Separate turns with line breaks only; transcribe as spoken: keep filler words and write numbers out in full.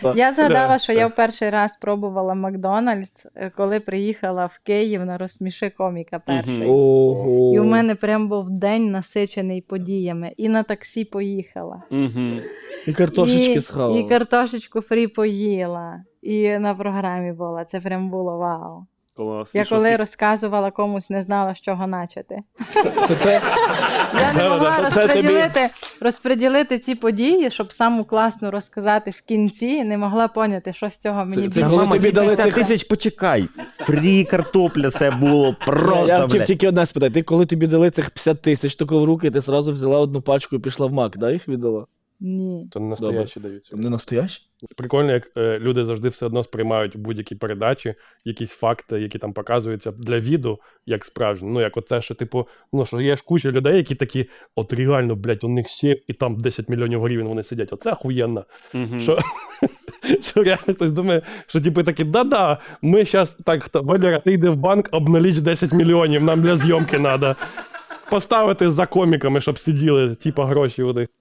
Я згадала, що я в перший раз пробувала Макдональдс, коли приїхала в Київ на «Розсміши коміка» перший.
Ого.
І у мене прям був день насичений подіями. І на таксі поїхала.
І картошечки
і,
схавала.
І картошечку фрі поїла. І на програмі була. Це прям було вау.
Клас.
Я
І що
коли
ти-
розказувала комусь, не знала, з чого начати.
То це...
Я не могла
То це тобі-
розподілити, розподілити ці події, щоб саму класну розказати в кінці, не могла поняти, що з цього мені
Це-
більше.
це коли
Мама,
тобі
ці
дали
п'ятдесят
цих-
тисяч, почекай. Фрі картопля, це було просто,
Я хотів
блядь.
тільки одне спитати. Ти коли тобі дали цих п'ятдесят тисяч тако в руки, ти сразу взяла одну пачку і пішла в Мак, да, їх віддала?
Ні.
То не настоящі даються.
Не настоящі?
Прикольно, як е, люди завжди все одно сприймають будь-які передачі, якісь факти, які там показуються для віду, як справжні. Ну, як оце, що, типу, ну, що є ж куча людей, які такі, от реально, блядь, у них сім і там десять мільйонів гривень вони сидять. Оце охуєнно. Що, що реально хтось думає, що типу такі, да-да, ми зараз так, хто- Валера, ти йди в банк, обналіч десять мільйонів, нам для зйомки треба. Поставити за коміками, щоб сиділи, типу, гроші у них.